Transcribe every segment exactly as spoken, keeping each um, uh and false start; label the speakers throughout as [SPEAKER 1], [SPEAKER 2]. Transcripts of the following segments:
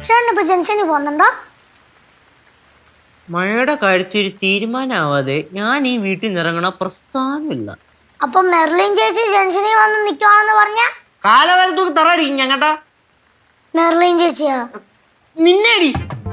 [SPEAKER 1] ചേട്ടനിപ്പോ ജംഗ്ഷനിൽ പോകുന്നുണ്ടോ?
[SPEAKER 2] മഴയുടെ കാര്യത്തിൽ തീരുമാനമാവാതെ ഞാൻ ഈ വീട്ടിൽ നിന്ന് ഇറങ്ങണ പ്രസ്ഥാനമില്ല.
[SPEAKER 1] അപ്പൊ മെർലിൻ ചേച്ചി ജംഗ്ഷനിൽ വന്ന് നിക്കുവാണെന്ന് പറഞ്ഞ
[SPEAKER 2] കാലവരത്തൂർ തറടിക്കും ഞങ്ങട്ടാ.
[SPEAKER 1] മെർലിൻ ചേച്ചിയാ
[SPEAKER 2] നിന്നേടി.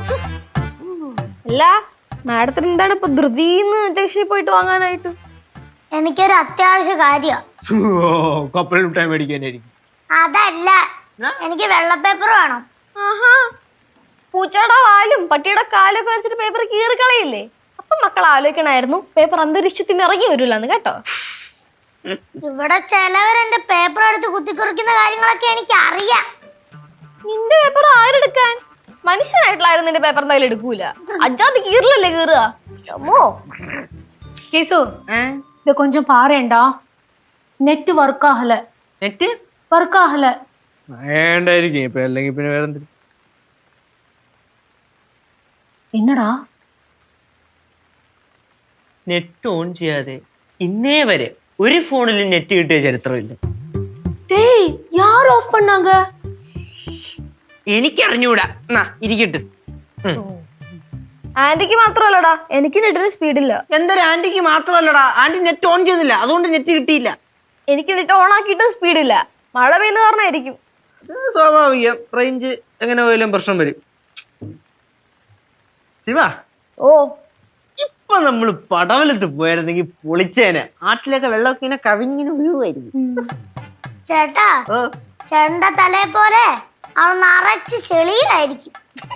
[SPEAKER 3] അല്ല മാഡത്തിന് എന്താണ് ഇപ്പൊ ധൃതിന്ന് ജംഗ്ഷനിൽ പോയിട്ട് വാങ്ങാനായിട്ട്?
[SPEAKER 1] എനിക്കൊരു അത്യാവശ്യ കാര്യ.
[SPEAKER 2] കപ്പൽ മിഠായി മേടിക്കാനായിരിക്കും.
[SPEAKER 1] അതല്ല, എനിക്ക് വെള്ള പേപ്പർ വേണം.
[SPEAKER 3] ആഹാ, പൂച്ചയുടെ വാലും പട്ടിയുടെ കാലൊക്കെ വെച്ചിട്ട് പേപ്പർ കീറി കളയില്ലേ? അപ്പൊ മക്കൾ ആലോചിക്കണായിരുന്നു പേപ്പർ അന്തരീക്ഷത്തിന് ഇറങ്ങി വരൂലെന്ന് കേട്ടോ.
[SPEAKER 1] ഇവിടെ ചിലവരെന്റെ പേപ്പർ എടുത്ത് കുത്തിക്കുറിക്കുന്ന കാര്യങ്ങളൊക്കെ എനിക്ക് അറിയാം.
[SPEAKER 3] നിന്റെ പേപ്പർ ആരെടുക്കാൻ? മനുഷ്യനായിട്ടുള്ളായിരുന്നു നിന്റെ പേപ്പർ എന്തായാലും എടുക്കൂല. അജാതി കീറിലല്ലേ കീറുക. അമ്മോ
[SPEAKER 4] കേസു, ഇത് കൊഞ്ചം പാറേണ്ടാ. നെറ്റ് വർക്ക് ആഹല.
[SPEAKER 2] നെറ്റ്
[SPEAKER 4] വർക്ക് ആഹല
[SPEAKER 2] വേണ്ടായിരിക്കും ഇപ്പൊ, അല്ലെങ്കിൽ പിന്നെ വേറെ എന്തെങ്കിലും.
[SPEAKER 4] എന്നടാ
[SPEAKER 2] നെറ്റ് ഓൺ ചെയ്യാതെ ഇന്നേ വരെ ഒരു ഫോണിൽ നെറ്റ് കിട്ടിയ ചരിത്രമില്ല.
[SPEAKER 4] டேய் யார் ஆஃப் பண்ணாங்க?
[SPEAKER 2] എനിക്കറിഞ്ഞൂടാ. എന്നാ ഇരിക്കട്ടെ.
[SPEAKER 3] ആന്റിക്ക് മാത്രമല്ലടാ, എനിക്ക് നെറ്റിന് സ്പീഡില്ല.
[SPEAKER 2] എന്തൊരു ആന്റിക്ക് മാത്രമല്ലടാ, ആന്റി നെറ്റ് ഓൺ ചെയ്തില്ല, അതുകൊണ്ട് നെറ്റ് കിട്ടിയില്ല.
[SPEAKER 3] എനിക്ക് നെറ്റ് ഓൺ ആക്കിയിട്ടും സ്പീഡില്ല. മഴ പെയ്യുന്ന കാരണമായിരിക്കും.
[SPEAKER 2] സ്വാഭാവികം, റേഞ്ച് എങ്ങനെ പോയാലും പ്രശ്നം വരും. ശിവ,
[SPEAKER 3] ഓ
[SPEAKER 2] ഇപ്പൊ നമ്മള് പടവലത്ത് പോയായിരുന്നെങ്കിൽ പൊളിച്ചേനെ. ആട്ടിലൊക്കെ വെള്ളമൊക്കെ ഇങ്ങനെ കവിഞ്ഞിന് വീഴുമായിരുന്നു.
[SPEAKER 1] ചേട്ടാ, ചേട്ടന്റെ തലയെ പോലെ അവൾ നിറച്ച് ചെളിയായിരിക്കും.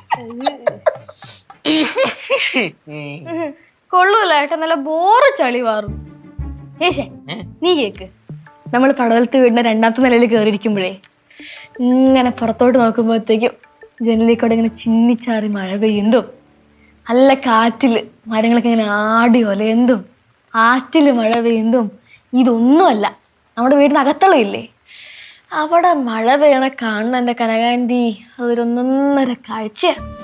[SPEAKER 3] കൊള്ളൂല ഏട്ടാ, നല്ല ബോറ് ചളി മാറും. ഏഷേ നീ കേക്ക്, നമ്മൾ പടവലത്ത് വീടിന്റെ രണ്ടാമത്തെ നിലയിൽ കയറിയിരിക്കുമ്പോഴേ ഇങ്ങനെ പുറത്തോട്ട് നോക്കുമ്പോഴത്തേക്കും ജനലിൽ കൂടെ ഇങ്ങനെ ചിന്നിച്ചാറി മഴ പെയ്യുന്നതും നല്ല കാറ്റില് മരങ്ങളൊക്കെ ഇങ്ങനെ ആടി ഒലയുന്നതും ആറ്റില് മഴ പെയ്യുന്നതും ഇതൊന്നുമല്ല നമ്മുടെ വീടിനകത്തുള്ള ഇല്ലേ, അവിടെ മഴ പെയ്യണ കാണുന്ന എന്റെ കനകാന്റി അതൊരൊന്നൊന്നര കാഴ്ച.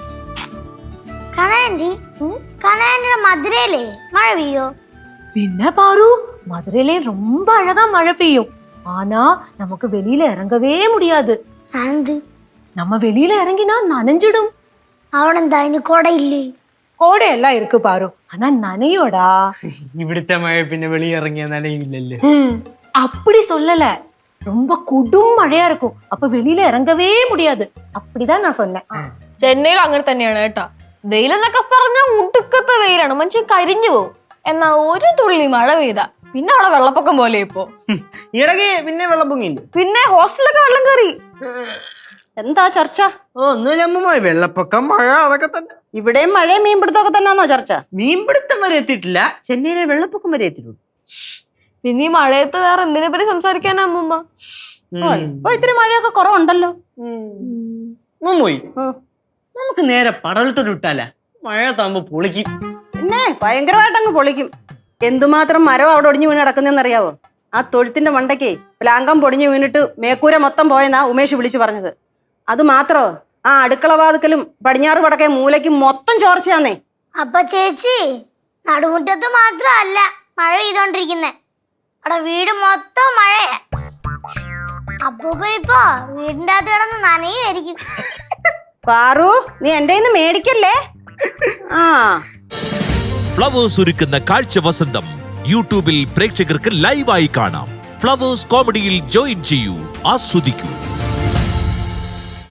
[SPEAKER 1] കനാൻഡി കനാൻഡിയുടെ മധുരയിലേ മഴ പെയ്യോ?
[SPEAKER 4] பின்ன பாரு, மதுரையிலே ரொம்ப அழகா மழை பெய்யும். ஆனா நமக்கு வெளியில இறங்கவே முடியாது.
[SPEAKER 1] ആന്ത്
[SPEAKER 4] நம்ம வெளியில இறங்கினா நனைஞ்சிடும்.
[SPEAKER 1] അവനെന്താ അതിന് കൊടയില്ലേ?
[SPEAKER 4] கோடை எல்லாம் இருக்கு பாரு, ஆனா நனையோடா.
[SPEAKER 2] ഇവിടുത്തെ മഴ പിന്നെ വെളിയിറങ്ങിയ നനയില്ലല്ലോ.
[SPEAKER 4] அப்படி சொல்லல, ரொம்ப கொடும் மழையா இருக்கும். அப்ப வெளியில இறங்கவே முடியாது. அப்படிதான் நான் சொன்னேன்.
[SPEAKER 3] ചെന്നൈയിൽ അങ്ങനെ തന്നെയാണ് കേട്ടോ. വെയിലെന്നൊക്കെ പറഞ്ഞാൽ ഉടുക്കത്തെ വെയിലാണ്, മനുഷ്യൻ കരിഞ്ഞു പോകും. എന്നാ ഒരു തുള്ളി മഴ പെയ്താ പിന്നെ അവിടെ വെള്ളപ്പൊക്കം പോലെ ഇപ്പോ.
[SPEAKER 2] ഇടയ്ക്ക് പിന്നെ വെള്ളപ്പൊങ്ങില്ല.
[SPEAKER 3] പിന്നെ ഹോസ്റ്റലൊക്കെ വെള്ളം കയറി.
[SPEAKER 5] എന്താ ചർച്ച?
[SPEAKER 2] ഓ ഒന്നുമില്ല അമ്മ, വെള്ളപ്പൊക്കം മഴ അതൊക്കെ തന്നെ.
[SPEAKER 5] ഇവിടെയും മഴയും മീൻപിടുത്തമൊക്കെ തന്നെയാണോ ചർച്ച?
[SPEAKER 2] മീൻപിടുത്തം വരെ എത്തിയിട്ടില്ല, ചെന്നൈയിലെ വെള്ളപ്പൊക്കം വരെ എത്തിയിട്ടുള്ളൂ.
[SPEAKER 3] പിന്നെ ഈ മഴയത്ത് വേറെ എന്തിനെ പറ്റി സംസാരിക്കാനാ അമ്മൂമ്മ?
[SPEAKER 5] ഇപ്പൊ ഇത്തിരി മഴയൊക്കെ കുറവുണ്ടല്ലോ.
[SPEAKER 2] മുമ്പോയി നമുക്ക് നേരെ പടവലത്തോട്ട് വിട്ടാല, മഴ താകുമ്പോ പൊളിക്കും.
[SPEAKER 5] പിന്നെ ഭയങ്കരമായിട്ട് അങ്ങ് പൊളിക്കും. എന്തുമാത്രം മരം അവിടെ ഒടിഞ്ഞു വീണ് കിടക്കുന്നറിയാവോ? ആ തൊഴുത്തിന്റെ മണ്ടയ്ക്ക് പ്ലാങ്കം പൊടിഞ്ഞു വീണിട്ട് മേക്കൂര മൊത്തം പോയെന്നാ ഉമേഷ് വിളിച്ചു പറഞ്ഞത്. അത് മാത്രോ, ആ അടുക്കള വാതുക്കലും പടിഞ്ഞാറ് വടക്കേ മൂലയ്ക്കും മൊത്തം ചോർച്ചയാന്നേ.
[SPEAKER 1] അപ്പൊ ചേച്ചി, നടുമുറ്റത്ത് മാത്രമല്ല മഴ പെയ്തോണ്ടിരിക്കുന്നേ, അവിടെ വീട് മൊത്തം മഴയാ. അപ്പൂപ്പനിപ്പോ വീടിന്റെ അകത്ത് കിടന്ന് നനയുമായിരിക്കും.
[SPEAKER 5] പാറു, നീ എന്റെ കയ്യിന്ന് മേടിക്കല്ലേ. ആ
[SPEAKER 6] ഫ്ലവേഴ്സ് ഒരുക്കുന്ന കാഴ്ച വസന്തം യൂട്യൂബിൽ പ്രേക്ഷകർക്ക് ലൈവായി കാണാം. ഫ്ലവേഴ്സ് കോമഡിയിൽ ജോയിൻ ചെയ്യൂ, ആസ്വദിക്കൂ.